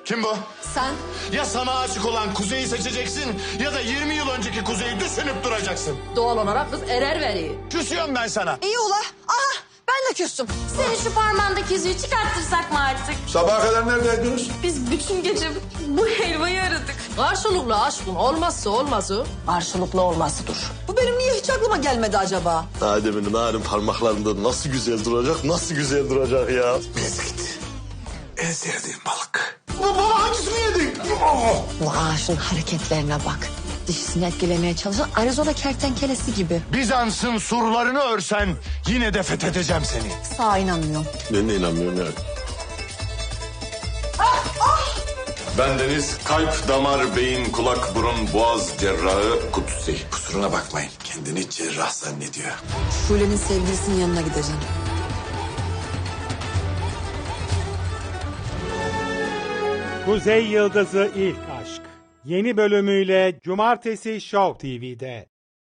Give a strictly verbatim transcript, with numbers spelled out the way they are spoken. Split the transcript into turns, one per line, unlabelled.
Kim bu?
Sen?
Ya sana aşık olan Kuzey'i seçeceksin ya da yirmi yıl önceki Kuzey'i düşünüp duracaksın.
Doğal olarak kız erer veriyor.
Küsüyorum ben sana.
İyi ula. Aha ben de küstüm.
Senin şu parmağındaki yüzüğü çıkarttırsak mı artık?
Sabaha kadar neredeydiniz?
Biz bütün gece bu helvayı aradık.
Karşılıklı aşkın olmazsa olmazı.
Karşılıklı olması dur. Bu benim niye hiç aklıma gelmedi acaba?
Adem'in narin parmaklarında nasıl güzel duracak, nasıl güzel duracak ya.
Mezgit. En sevdiğim balık. Baba hangisini yedin? Oh!
Bu ağaçın hareketlerine bak. Dişisini etkilemeye çalışan Arizona kertenkelesi gibi.
Bizans'ın surlarını örsen yine de fethedeceğim seni.
Sağa inanmıyorum.
Ben de inanmıyorum yani.
Ben Deniz, kalp, damar, beyin, kulak, burun, boğaz cerrahı Kutsi.
Kusuruna bakmayın. Kendini cerrah zannediyor.
Şule'nin sevgilisinin yanına gideceğim.
Kuzey Yıldızı İlk Aşk. Yeni bölümüyle Cumartesi Show T V'de.